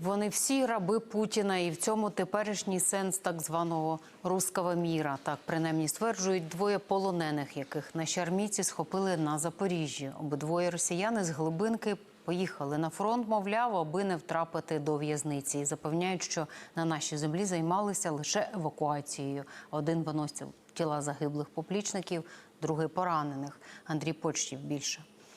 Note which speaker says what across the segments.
Speaker 1: Вони всі раби Путіна, і в цьому теперішній сенс так званого «русского міра». Так, принаймні, стверджують двоє полонених, яких наші армійці схопили на Запоріжжі. Обидвоє росіяни з глибинки поїхали на фронт, мовляв, аби не втрапити до в'язниці. І запевняють, що на нашій землі займалися лише евакуацією. Один виносив тіла загиблих поплічників, другий поранених. Андрій Почтів більше.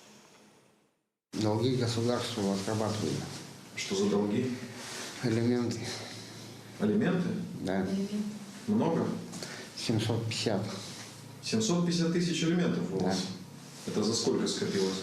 Speaker 2: Долги государству отрабатывали.
Speaker 3: Что за долги?
Speaker 2: Элементы.
Speaker 3: Алименты?
Speaker 2: Да.
Speaker 3: Много?
Speaker 2: 750.
Speaker 3: 750 тысяч алиментов у вас?
Speaker 2: Да.
Speaker 3: Это за сколько скопилось?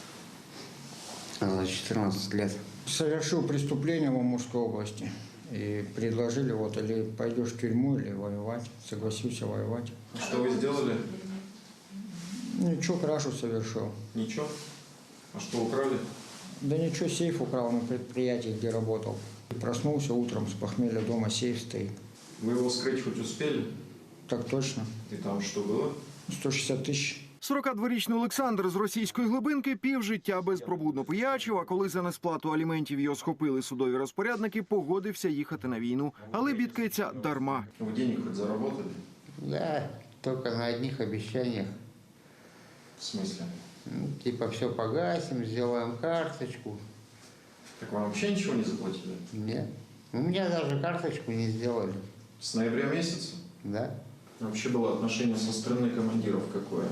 Speaker 2: За 14 лет.
Speaker 4: Совершил преступление в Амурской области. И предложили, вот, или пойдешь в тюрьму, или воевать. Согласился воевать.
Speaker 3: Что вы сделали?
Speaker 4: Ничего, крашу совершил.
Speaker 3: Ничего? А что украли?
Speaker 4: Да ничего, сейф украл на предприятии, где работал. Проснулся утром с похмелья, дома сейф стоит.
Speaker 3: Вы его вскрыть хоть успели?
Speaker 4: Так точно.
Speaker 3: И там что было?
Speaker 4: 160 тысяч.
Speaker 5: 42-річний Олександр з російської глибинки півжиття безпробудно пиячив, а коли за несплату аліментів його схопили судові розпорядники, погодився їхати на війну. Але бідкається дарма.
Speaker 3: Вы денег хоть заработали?
Speaker 2: Да, только на одних обещаниях.
Speaker 3: В смысле?
Speaker 2: Ну, типа все погасим, сделаем карточку.
Speaker 3: Так вам вообще ничего не заплатили?
Speaker 2: Нет. У меня даже карточку не сделали.
Speaker 3: С ноября месяца?
Speaker 2: Да.
Speaker 3: Вообще было отношение со стороны командиров какое?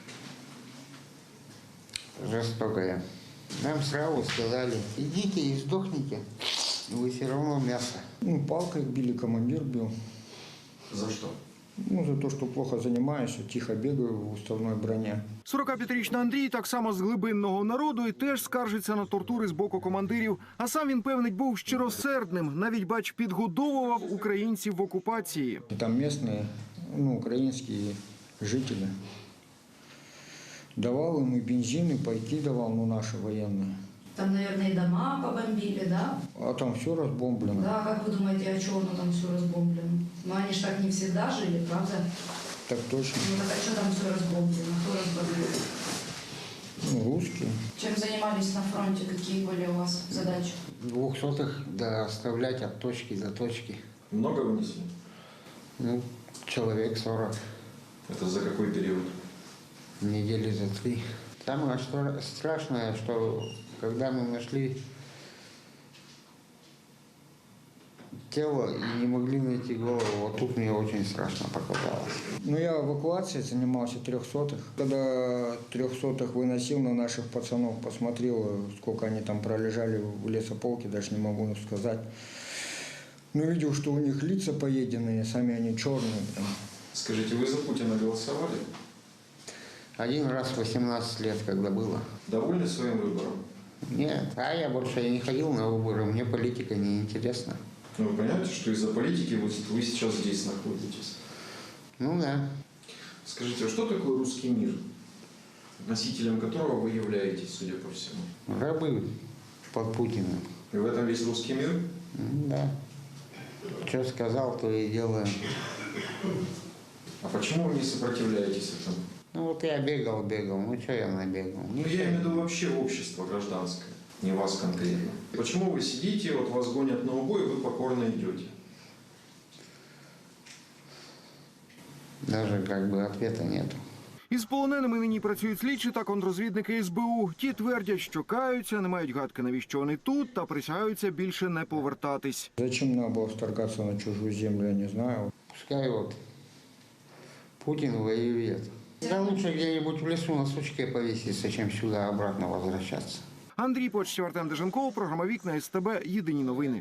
Speaker 2: Жестокое. Нам сразу сказали, идите и сдохните, вы все равно мясо.
Speaker 4: Ну, палкой били, командир бил.
Speaker 3: За что?
Speaker 4: Ну, за то, что плохо занимаюсь, тихо бегаю в уставной броне.
Speaker 5: 45-річний Андрій так само з глибинного народу і теж скаржиться на тортури з боку командирів. А сам він, певнить, був щиросердним. Навіть, бач, підгодовував українців в окупації.
Speaker 4: И там местные, ну, украинские жители. Давал им и бензин, и пайки давал, ну, наши военные.
Speaker 6: Там, наверное, и дома побомбили, да?
Speaker 4: А там все разбомблено.
Speaker 6: Да, как вы думаете, а чего оно там все разбомблено? Ну, они же так не всегда жили, правда?
Speaker 4: Так точно.
Speaker 6: Ну, так а что там все разбомблено? Кто разбомбил?
Speaker 4: Ну, русские.
Speaker 6: Чем занимались на фронте? Какие были у вас задачи?
Speaker 2: 200-х доставлять от точки до точки.
Speaker 3: Много вынесли?
Speaker 2: Ну, человек 40.
Speaker 3: Это за какой период?
Speaker 2: Недели за 3. Самое страшное, что когда мы нашли тело и не могли найти голову, вот тут мне очень страшно показалось.
Speaker 4: Ну, я эвакуацией занимался 300-х. Когда 300-х выносил на наших пацанов, посмотрел, сколько они там пролежали в лесополке, даже не могу сказать. Ну, видел, что у них лица поеденные, сами они черные. Прям.
Speaker 3: Скажите, вы за Путина голосовали?
Speaker 2: Один раз в 18 лет, когда было.
Speaker 3: Довольны своим выбором?
Speaker 2: Нет, а я больше не ходил на выборы, мне политика не интересна.
Speaker 3: Ну, вы понимаете, что из-за политики вы сейчас здесь находитесь?
Speaker 2: Ну да.
Speaker 3: Скажите, а что такое русский мир, носителем которого вы являетесь, судя по всему?
Speaker 2: Рабы под Путиным.
Speaker 3: И в этом весь русский мир?
Speaker 2: Да. Что сказал, то и делаем.
Speaker 3: А почему вы не сопротивляетесь этому?
Speaker 2: Ну вот я бегал, ну что я набегал?
Speaker 3: Ну, я имею в виду вообще общество гражданское, не вас конкретно. Почему вы сидите, вот вас гонят на убой, и вы покорно идете?
Speaker 2: Даже как бы ответа нету.
Speaker 5: Із полоненими нині працюють слідчі та контррозвідники СБУ. Ті твердять, що каються, не мають гадки, навіщо вони тут, та присягаються більше не повертатись.
Speaker 4: Зачем надо было вторгаться на чужую землю, я не знаю.
Speaker 2: Пускай вот Путин воюет. Да лучше где-нибудь в лесу на сучке повеситься, чем сюда обратно возвращаться.
Speaker 5: Андрій Почтів, Артем Деженков, програма «Вікна СТБ», єдині новини.